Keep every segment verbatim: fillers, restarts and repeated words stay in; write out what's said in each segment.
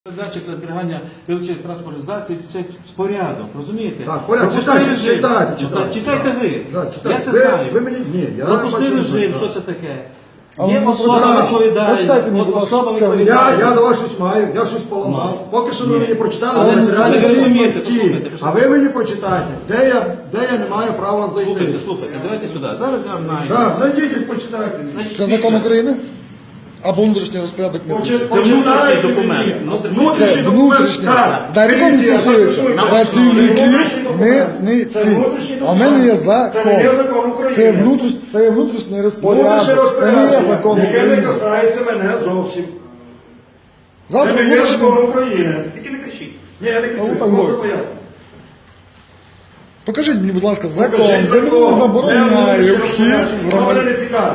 Датчик на зберігання величезних транспортних засобів – це порядок, розумієте? Так, порядок, читайте, читайте, читайте. Читайте ви. Да, читайте. Я це Ви- знаю. ви мені- ні, я Пропустили бачу, режим, так. що це таке. А Є ну, особа так. відповідальна. Прочитайте мені, От будь ласка, особа скажіть. відповідальна. Я, я до вас щось маю, я щось поламав. Поки що ви мені прочитали Але за матеріальні ви розумієте, цінності. послухайте, А ви мені прочитайте, де я, де я не маю права Слухайте, зайти. слухайте, давайте сюди. Зараз я вам найду. Так, зайдіть і почитайте. Значить, Це закон України? Або внутрішній розпорядок митниці? Почи- Це внутрішній почитайте документ. мені. Внутрішній. Внутрішній Це документ, внутрішній. так. На якому Дивіться, я стосується записую. працівників Внутрішній документ. Це митниці. внутрішній А в мене є документ. закон. Це не є закон України. Це внутрішній, це є внутрішній Внутрішнє розпорядок. Це не є розпорядження, закон яке не України. касається мене зовсім. Це Завтра не є внутрішній. закон України. Тільки не кричіть. Ні, я не Ну, кричу, так просто говорю. поясню. Покажіть мені, будь ласка, закон, Покажіть де мені закон, де забороняє внутрішнє вхід розпорядження. в Воно мене громадян. не цікавить.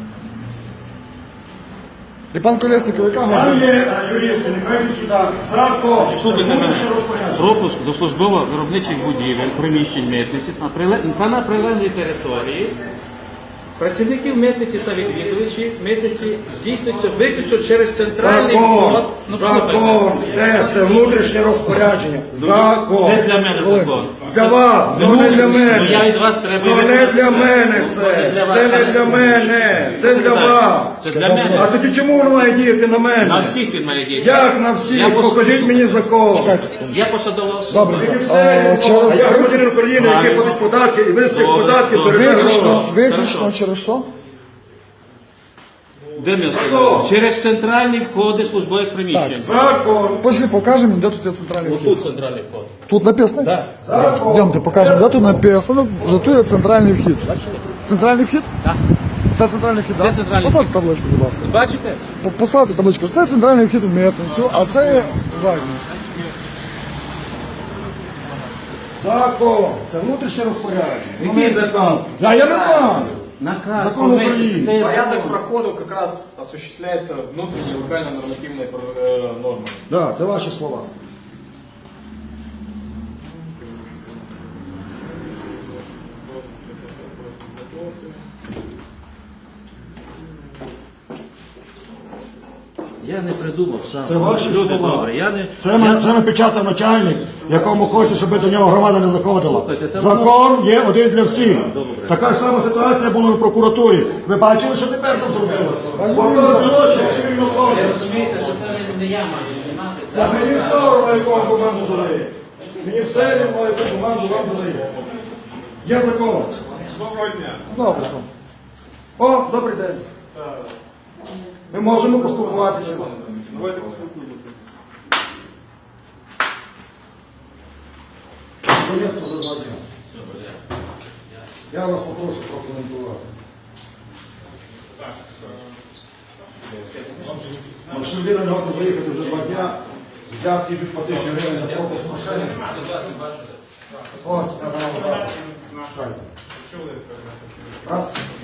І пан Колєсников, яка Там година? є а, юристи, нехай від сюди. Закон. Це Слухайте мене. внутрішнє розпорядження. Пропуск до службово-виробничих будівель, приміщень митниці та приле- та на прилеглій території працівників митниці та відвідувачів митниці здійснюється виключно через центральний Закон. вход. Ну, Закон. слухайте. Де? Це внутрішнє розпорядження. Закон. Це для мене закон. Для вас, це не для Ну, я мене. від вас треба... Ну не для мене це. Це не для мене. Це для вас. Це для А мене. тоді чому воно має діяти на На мене? всіх він має діяти. Як на Я всіх? пос- Покажіть мені закон. Чекайте секунду. Я посадова особа. Добре. Мені А, все, а через- я громадянин України, який платить податки, і ви з цих Добре, податків добре. берете Виключно, гроші. виключно Хорошо. через що? Де ми сказали? Через центральні входи службових приміщень. Закон. Пошли покажемо, де тут є центральний вхід. Отут центральний вход. Тут написано? Так. Закон. Йдемте, покажемо, де тут написано, що тут є центральний вхід. Центральний вхід? Так. Це центральний вхід, Це так? центральний Поставте табличку, будь ласка. Бачите? По- Поставте табличку. Це центральний вхід в митницю, а це є задній. Закон. Це внутрішнє розпорядження. Який Ну, закон? Я, я не знаю. Наказ. Закон Ми- України. це є Порядок закон. проходу как раз осуществляется внутренней локально-нормативной э, нормой. Так, це ваші слова. Я не придумав сам. Це ваші Люди слова. добре. Я не... Це, на- це напечатав начальник, якому хоче, щоб до нього громада не заходила. Слухайте, там Закон є один для всіх. Добре. Така ж сама ситуація була в прокуратурі. Ви бачили, що тепер там зробилося? Показ злочин цивільного Ви кодексу. розумієте, що це не- не я маю знімати. Це мені все одно, яку команду дали. Мені все одно, яку команду вам дали. Є закон. Доброго дня. Добре. О, добрий день. Ми можемо поспілкуватися. Давайте поспілкуємося. Приємство за два дня. Я вас попрошу прокоментувати. Машина не готова заїхати вже два дня. Взятки від по тисячі гривень за пропуск машини. Ось, я дам зараз. Чекайте. Раз.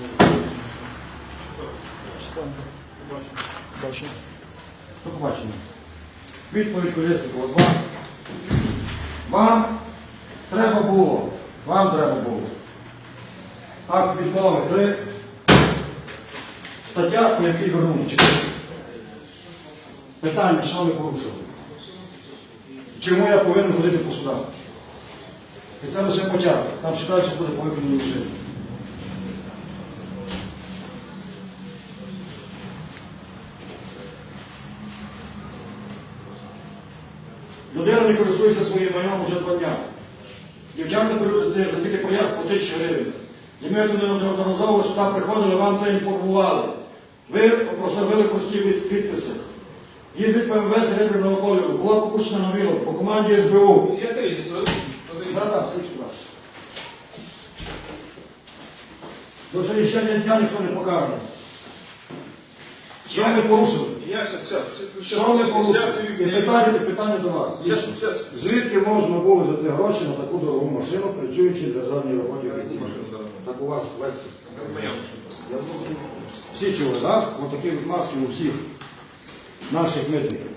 Бачимо. До побачення. Відповідь Колєсникова два. Вам треба було. Вам треба було. Акт відмови три. Стаття, по якій вернули. Читайте. Питання, що ви порушили? Чому я повинен ходити по судах? І це лише початок. Там ще далі буде по виконанню режиму. Людина не користується своїм майном вже два дня. Дівчата беруть за це за такий проїзд по тисячі гривень. І ми неодноразово сюди приходили, вам це інформували. Ви прославили прості від- підписи. Їздить ПМВ серебряного кольору, була покушена на віло по команді ес бе у. Я Сергій, зараз. Так, так, все сюди. До сьогоднішнього дня ніхто не покараний. Що ми порушили? Я сейчас, сейчас. Що ми порушили? І питання, питання до вас. Сейчас, сейчас. Звідки можна було взяти гроші на таку дорогу машину, працюючи в державній роботі? Так у вас Lexus. Я зрозумів. Всі чули, так? Ось такі відмазки у всіх наших митників.